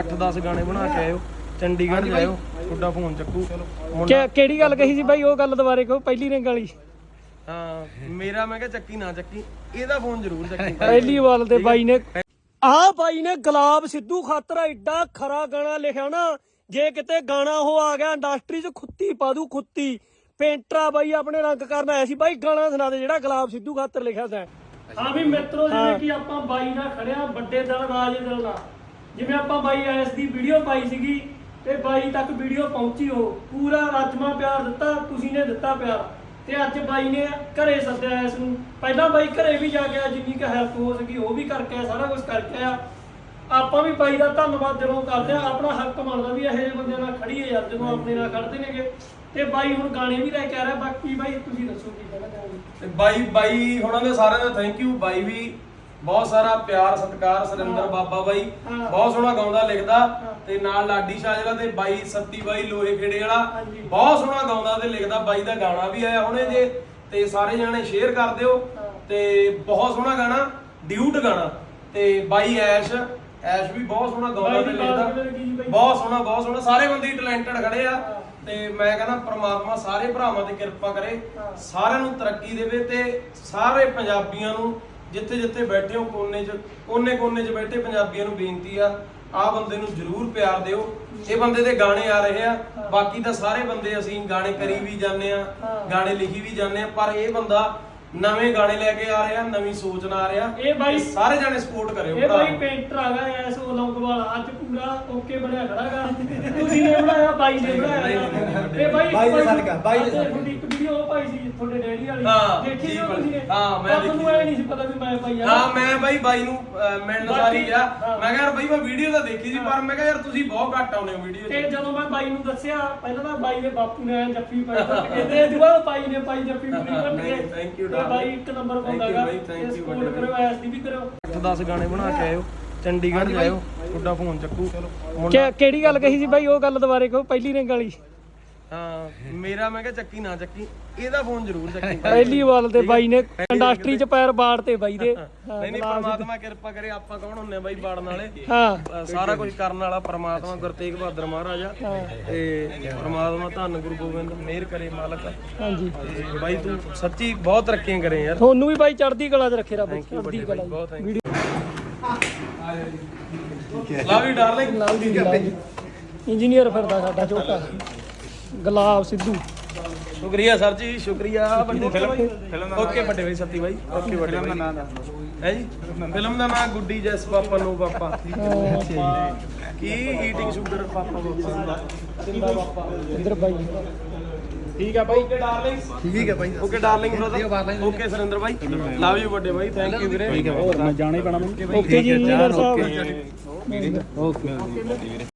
10 ਗਾਣੇ ਬਣਾ ਕੇ ਆਇਓ, ਚੰਡੀਗੜ੍ਹ ਜਾਇਓ, ਤੁਹਾਡਾ ਫੋਨ ਚੱਕੂ। ਕਿਹੜੀ ਗੱਲ ਕਹੀ ਸੀ ਬਾਈ, ਉਹ ਗੱਲ ਦੁਬਾਰੇ ਕਹੋ, ਪਹਿਲੀ ਰਿੰਗ ਵਾਲੀ। ਹਾਂ ਮੇਰਾ ਮੈਂ ਕਿਹਾ ਚੱਕੀ ਨਾ ਚੱਕੀ, ਇਹਦਾ ਫੋਨ ਜ਼ਰੂਰ ਚੱਕੀ। ਪਹਿਲੀ ਵਾਲ ਤੇ ਬਾਈ ਨੇ ਬਾਈ ਨੇ ਗੁਲਾਬ ਸਿੱਧੂ ਖਾਤਰ ਐਡਾ ਖਰਾ ਗਾਣਾ ਲਿਖਿਆ ਨਾ, ਜੇ ਕਿਤੇ ਗਾਣਾ ਉਹ ਆ ਗਿਆ ਇੰਡਸਟਰੀ 'ਚ ਖੁੱਤੀ ਪਾ ਦੂ ਖੁੱਤੀ। ਪੇਂਟਰਾ ਬਾਈ ਆਪਣੇ ਰੰਗ ਕਰਨ ਆਇਆ ਸੀ। ਬਾਈ ਗਾਣਾ ਸੁਣਾ ਦੇ ਜਿਹੜਾ ਗੁਲਾਬ ਸਿੱਧੂ ਖਾਤਰ ਲਿਖਿਆ ਸੀ। ਹਾਂ ਵੀ ਮਿੱਤਰੋ, ਜਿਵੇਂ ਕਿ ਆਪਾਂ ਬਾਈ ਨਾਲ ਖੜਿਆ, ਵੱਡੇ ਦਿਲ ਰਾਜ ਦਿਲ ਨਾਲ, ਜਿਵੇਂ ਆਪਾਂ ਬਾਈ ਐਸ ਦੀ ਵੀਡੀਓ ਪਾਈ ਸੀਗੀ ਤੇ ਬਾਈ ਤੱਕ ਵੀਡੀਓ ਪਹੁੰਚੀ, ਉਹ ਪੂਰਾ ਰਾਜਮਾ ਪਿਆਰ ਦਿੱਤਾ, ਤੁਸੀਂ ਨੇ ਦਿੱਤਾ ਪਿਆਰ। ਤੇ ਅੱਜ ਬਾਈ ਨੇ ਘਰੇ ਸੱਦਿਆ ਇਸ ਨੂੰ। ਪਹਿਲਾਂ ਬਾਈ ਘਰੇ ਵੀ ਜਾ ਗਿਆ, ਜਿੰਨੀ ਕੁ ਹੈਲਪ ਹੋ ਸਕੀ ਉਹ ਵੀ ਕਰਕੇ ਆਇਆ, ਸਾਰਾ ਕੁਝ ਕਰਕੇ ਆ। ਆਪਾਂ ਵੀ ਬਾਈ ਦਾ ਧੰਨਵਾਦ ਦਿਲੋਂ ਕਰਦੇ ਆ। ਆਪਣਾ ਹੱਕ ਬਣਦਾ ਵੀ ਇਹੋ ਜਿਹੇ ਬੰਦਿਆਂ ਨਾਲ ਖੜੀਏ ਯਾਰ, ਜਦੋਂ ਆਪਣੇ ਨਾਲ ਖੜਦੇ ਨੇਗੇ। ਤੇ ਬਾਈ ਹੁਣ ਗਾਣੇ ਵੀ ਲੈ ਕੇ ਆ ਰਿਹਾ। ਬਾਕੀ ਬਾਈ ਤੁਸੀਂ ਦੱਸੋ ਕੀ ਕਹਿਣਾ ਚਾਹੋਗੇ। ਬਾਈ ਹੁਣਾਂ ਦੇ ਸਾਰਿਆਂ ਦਾ ਥੈਂਕ ਯੂ। ਬਾਈ ਵੀ ਬਹੁਤ ਸਾਰਾ ਪਿਆਰ ਸਤਿਕਾਰ। ਸੁਰਿੰਦਰ ਬਾਬਾ ਬਾਈ ਬਹੁਤ ਸੋਹਣਾ ਗਾਉਂਦਾ ਲਿਖਦਾ, ਤੇ ਨਾਲ ਲਾਡੀ ਸ਼ਾਜਲਾ ਤੇ ਬਾਈ ਸੱਤੀ ਬਾਈ ਲੋਹੇ ਖੇੜੇ ਵਾਲਾ ਬਹੁਤ ਸੋਹਣਾ ਗਾਉਂਦਾ ਤੇ ਲਿਖਦਾ। ਬਾਈ ਦਾ ਗਾਣਾ ਵੀ ਆਇਆ ਹੁਣੇ ਜੇ, ਤੇ ਸਾਰੇ ਜਾਣੇ ਸ਼ੇਅਰ ਕਰ ਦਿਓ। ਤੇ ਬਹੁਤ ਸੋਹਣਾ ਗਾਣਾ, ਡਿਊਟ ਗਾਣਾ। ਤੇ ਬਾਈ ਐਸ਼ ਵੀ ਬਹੁਤ ਸੋਹਣਾ ਗਾਉਂਦਾ ਤੇ ਲਿਖਦਾ, ਬਹੁਤ ਸੋਹਣਾ। ਸਾਰੇ ਬੰਦੇ ਟੈਲੈਂਟਡ ਖੜੇ ਆ। ਤੇ ਮੈਂ ਕਹਿੰਦਾ ਪ੍ਰਮਾਤਮਾ ਸਾਰੇ ਭਰਾਵਾਂ ਤੇ ਕਿਰਪਾ ਕਰੇ, ਸਾਰਿਆਂ ਨੂੰ ਤਰੱਕੀ ਦੇਵੇ। ਤੇ ਸਾਰੇ ਪੰਜਾਬੀਆਂ ਨੂੰ ਜਿੱਥੇ ਜਿੱਥੇ ਬੈਠੇ ਹੋ, ਕੋਨੇ 'ਚ ਬੈਠੇ ਪੰਜਾਬੀਆਂ ਨੂੰ ਬੇਨਤੀ ਆ ਬੰਦੇ ਨੂੰ ਜ਼ਰੂਰ ਪਿਆਰ ਦਿਓ। ਇਹ ਬੰਦੇ ਦੇ ਗਾਣੇ ਆ ਰਹੇ ਆ, ਬਾਕੀ ਤਾਂ ਸਾਰੇ ਬੰਦੇ ਅਸੀਂ ਗਾਣੇ ਕਰੀ ਵੀ ਜਾਂਦੇ ਆ, ਗਾਣੇ ਲਿਖੀ ਵੀ ਜਾਂਦੇ ਆ, ਪਰ ਇਹ ਬੰਦਾ ਨਵੇਂ ਗਾਣੇ ਲੈ ਕੇ ਆ ਰਿਹਾ, ਨਵੀਂ ਸੋਚ ਨਾਲ ਆ ਰਿਹਾ। ਇਹ ਬਾਈ ਸਾਰੇ ਜਾਣੇ ਸਪੋਰਟ ਕਰਿਓ। ਇਹ ਬਾਈ ਪੇਂਟਰ ਆਗਾ ਐਸ ਲੌਂਗਵਾਲ, ਅੱਜ ਪੂਰਾ ਓਕੇ ਬਣਿਆ ਖੜਾਗਾ। ਤੁਸੀਂ ਨੇ ਬਣਾਇਆ, ਬਾਈ ਨੇ ਬਣਾਇਆ। ਤੇ ਬਾਈ ਦੇ ਸਦਕਾ ਬਾਈ ਦੇ ਤੁਹਾਡੀ ਇੱਕ ਵੀਡੀਓ ਉਹ ਪਾਈ ਸੀ ਤੁਹਾਡੇ ਡੈਡੀ ਵਾਲੀ, ਦੇਖੀ ਸੀ ਤੁਸੀਂ ਨੇ? ਹਾਂ ਮੈਂ ਤੁਹਾਨੂੰ ਐ ਨਹੀਂ ਸੀ ਪਤਾ ਵੀ ਮੈਂ ਪਾਈ ਆ। ਹਾਂ ਮੈਂ ਬਾਈ ਨੂੰ ਮਿਲਣ ਸਾਰੀ ਗਿਆ, ਮੈਂ ਕਿਹਾ ਯਾਰ ਬਾਈ ਮੈਂ ਵੀਡੀਓ ਤਾਂ ਦੇਖੀ ਸੀ, ਪਰ ਮੈਂ ਕਿਹਾ ਯਾਰ ਤੁਸੀਂ ਬਹੁਤ ਘੱਟ ਆਉਂਦੇ ਹੋ ਵੀਡੀਓ 'ਚ। ਤੇ ਜਦੋਂ ਮੈਂ ਬਾਈ ਨੂੰ ਦੱਸਿਆ, ਪਹਿਲਾਂ ਤਾਂ ਬਾਈ ਦੇ ਬਾਪੂ ਨੇ ਜੱਫੀ ਪਾਈ ਕਹਿੰਦੇ, ਦੁਬਾਰਾ ਬਾਈ ਨੇ ਪਾਈ ਜੱਫੀ ਪੂਰੀ ਕੱਟ ਕੇ। ਥੈਂਕ ਯੂ ਬਾਈ ਇੱਕ ਨੰਬਰ ਬੰਦਾਗਾ, ਸਪੋਰਟ ਕਰੋ, ਐਸ ਦੀ ਵੀ ਕਰੋ। 10 ਗਾਣੇ ਬਣਾ ਕੇ ਆਇਓ, ਚੰਡੀਗੜ੍ਹ ਜਾਇਓ, ਤੁਹਾਡਾ ਫੋਨ ਚੱਕੂ। ਕਿਹੜੀ ਗੱਲ ਕਹੀ ਸੀ ਬਾਈ, ਉਹ ਗੱਲ ਦੁਬਾਰੇ ਕਹੋ, ਪਹਿਲੀ ਰਿੰਗ ਵਾਲੀ। ਹਾਂ ਮੇਰਾ ਮੈਂ ਕਿਹਾ ਚੱਕੀ ਨਾ ਚੱਕੀ, ਇਹਦਾ ਫੋਨ ਜ਼ਰੂਰ ਚੱਕੀ। ਪਹਿਲੀ ਵਾਲ ਤੇ ਬਾਈ ਨੇ ਇੰਡਸਟਰੀ 'ਚ ਪੈਰ ਬਾੜ ਤੇ ਬਾਈ ਦੇ। ਨਹੀਂ ਪਰਮਾਤਮਾ ਕਿਰਪਾ ਕਰੇ। ਆਪਾਂ ਕੌਣ ਹੁੰਨੇ ਬਾਈ ਬਾੜਨ ਵਾਲੇ, ਸਾਰਾ ਕੁਝ ਕਰਨ ਵਾਲਾ ਪਰਮਾਤਮਾ ਗੁਰੂ ਤੇਗ ਬਹਾਦਰ ਮਹਾਰਾਜ ਆ। ਤੇ ਪਰਮਾਤਮਾ ਧੰਨ ਗੁਰੂ ਗੋਬਿੰਦ ਮਿਹਰ ਕਰੇ ਮਾਲਕ। ਹਾਂਜੀ ਬਾਈ ਤੂੰ ਸੱਚੀ ਬਹੁਤ ਤਰੱਕੀਆਂ ਕਰੇ ਯਾਰ। ਤੁਹਾਨੂੰ ਵੀ ਬਾਈ ਚੜ੍ਹਦੀ ਕਲਾ 'ਚ ਰੱਖੇ ਰੱਬ, ਚੜ੍ਹਦੀ ਕਲਾ। Love you darling. ਇੰਜੀਨੀਅਰ ਫਿਰਦਾ ਸਾਡਾ ਛੋਟਾ ਗੁਲਾਬ ਸਿੱਧੂ। ਸ਼ੁਕਰੀਆ ਸਰ ਜੀ, ਸ਼ੁਕਰੀਆ। ਓਕੇ ਵੱਡੇ ਬਾਈ ਸੱਤੀ ਬਾਈ। ਓਕੇ ਵੱਡੇ ਬਾਈ ਹੈ ਜੀ। ਫਿਲਮ ਦਾ ਨਾਮ ਗੁੱਡੀ ਜੈਸ ਪਾਪਾ ਨੂੰ ਪਾਪਾ ਕੀ ਈਟਿੰਗ ਸ਼ੂਗਰ ਪਾਪਾ ਸਿੰਦਾ ਪਾਪਾ ਇੰਦਰ ਬਾਈ। ਠੀਕ ਆ ਬਾਈ। Okay darling. ਠੀਕ ਹੈ ਬਾਈ। Okay darling brother. Okay Surinder ਬਾਈ, ਲਵ ਯੂ ਵੱਡੇ ਬਾਈ, ਥੈਂਕ ਯੂ ਵੀਰੇ। ਮੈਂ ਜਾਣਾ ਹੀ ਪੈਣਾ ਮੈਨੂੰ। ਓਕੇ ਜੀ ਇੰਜੀਨੀਅਰ ਸਾਹਿਬ। ਓਕੇ।